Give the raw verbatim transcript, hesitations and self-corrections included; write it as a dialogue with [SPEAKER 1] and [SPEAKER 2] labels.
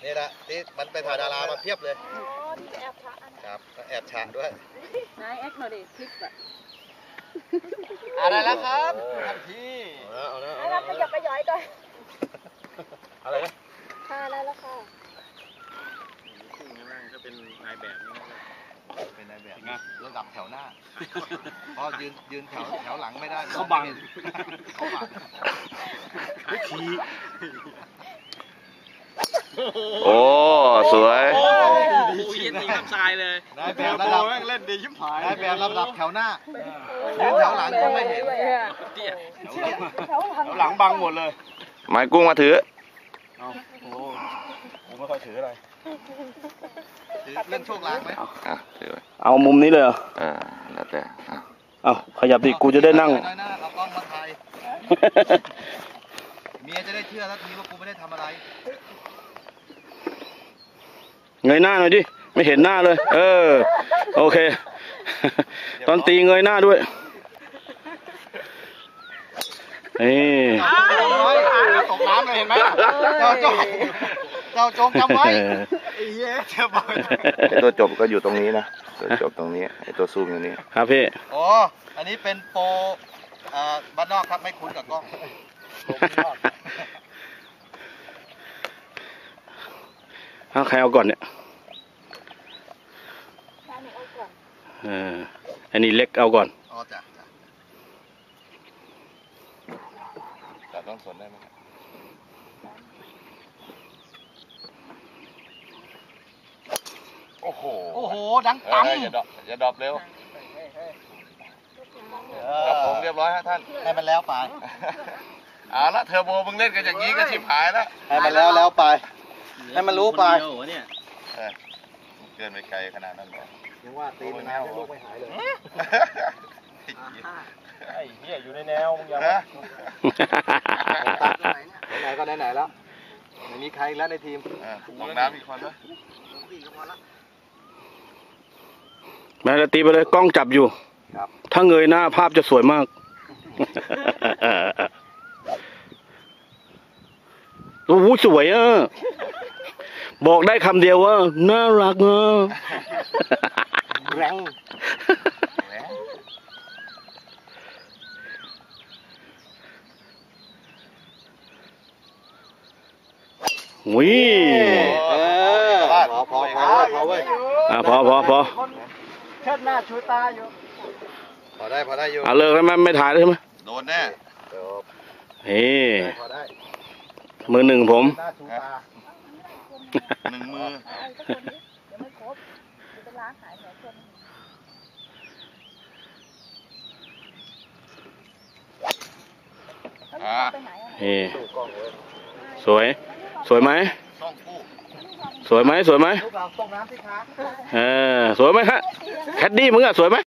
[SPEAKER 1] นี่แหละที่มันไปถ่ายดารามาเพียบเลย
[SPEAKER 2] อ๋อที่แอบฉะ
[SPEAKER 1] ครับแอบฉะด้วย
[SPEAKER 2] นายแอคหน่อยดิคลิปอะ
[SPEAKER 1] อะไรแล้วครับท่านพี่
[SPEAKER 2] เอาแล้วเอาแล้วขยับไปย้อยก่อน
[SPEAKER 1] อะไรนะ
[SPEAKER 2] ค่ะได้แล้วค่ะ
[SPEAKER 3] ซึ่งนั่งก็เป็นนายแบบนี่
[SPEAKER 1] เป็นนายแบบระดับแถวหน้าเพราะยืนยืนแถวแถวหลังไม่ได้
[SPEAKER 3] เขาบัง
[SPEAKER 1] เขาบัง
[SPEAKER 3] ขี่
[SPEAKER 4] โอ้สวย
[SPEAKER 3] โอ้ยเย็นตีน้ำทรายเลย
[SPEAKER 1] นายแบบระดับ
[SPEAKER 3] เล่นดีชิบหาย
[SPEAKER 1] นายแบบระดับแถวหน้ายืนแถวหลังก็ไม่เห็น
[SPEAKER 3] แถวหลังบังหมดเลย
[SPEAKER 4] ไม้กุ้งมาถือ
[SPEAKER 3] เอาโอ้ผมไม่ค่อยถืออะไร
[SPEAKER 1] เล่นโชคลางไหม
[SPEAKER 4] อ่ะถือไว้
[SPEAKER 3] เอามุมนี้เลยเหรอ
[SPEAKER 4] เออแล้วแต่
[SPEAKER 3] เอาขยับดิกูจะได้นั่ง
[SPEAKER 1] เอากล้องมาถ่ายเมียจะได้เชื่อแล้วทีว่ากูไม่ได้ทำอะไร
[SPEAKER 3] เงยหน้าหน่อยดิไม่เห็นหน้าเลยเออโอเคตอนตีเงยหน้าด้วยนี่
[SPEAKER 1] ตกน้ำเลยเห็นไหมเจ้าจงเจ้าจงจำไว้ไอ้เหี้ยเจ้าบอก
[SPEAKER 4] ไอ้ตัวจบก็อยู่ตรงนี้นะตัวจบตรงนี้ไอ้ตัวซูมอยู่นี้
[SPEAKER 3] ครับพี่
[SPEAKER 1] อ๋ออันนี้เป็นโปรบ้านนอกครับไม่คุ้นกับกล้อง
[SPEAKER 3] เอาใครเอาก่อนเนี่ยเอออันนี้เล็กเอาก่อน
[SPEAKER 1] อ๋อจ้ะ
[SPEAKER 4] แต่ต้องสนได้ไหมโอ้โห
[SPEAKER 1] โอ้โหดังตั้ม
[SPEAKER 4] อย่าดรอปอย่าดรอปเร็วครับผมเรียบร้อยฮะท่าน
[SPEAKER 1] ให้มันแล้วไป
[SPEAKER 4] เอาละเทอร์โบมึงเล่นกันอย่างนี้ก็ชิบหายแล้ว
[SPEAKER 1] ให้มันแล้วแล้วไปให้มันรู้ไป
[SPEAKER 4] เกินไปไกลขนาดนั้นเลย
[SPEAKER 1] ยังว่าตีมันแนวลูกไม่หายเลย
[SPEAKER 3] ไอ้เหี้ยอยู่ในแนวมึงอย่า
[SPEAKER 1] นะไหนก็ไหนๆแล้วไม่มีใครแล้วในทีม
[SPEAKER 4] ลงน้ำอีกคนด้วย
[SPEAKER 3] แม่ละตีไปเลยกล้องจับอยู่ถ้าเงยหน้าภาพจะสวยมากโอ้โหสวยอ่ะบอกได้คำเดียวว่าน่ารักอ่ะ
[SPEAKER 1] แรง
[SPEAKER 3] วิ
[SPEAKER 1] พอพอพอพอเว้ย
[SPEAKER 3] อ่ะพอพอพอ
[SPEAKER 2] เชิดหน้าชูตาอยู่
[SPEAKER 1] พอได้พอได้อยู่
[SPEAKER 3] อ่ะเลิกแล้วไหมไม่ถ่ายแล้วใช่ไหม
[SPEAKER 4] โดนแน่
[SPEAKER 3] เฮ้มือหนึ่งผม
[SPEAKER 4] หนึ่งมือ
[SPEAKER 3] เฮ้สวยสวยไหมสวยไหมสวยไหม
[SPEAKER 1] ลูกเราตกน้ำสิคะ
[SPEAKER 3] เออสวยไหมฮะแคดดี้มึงอะสวยไหม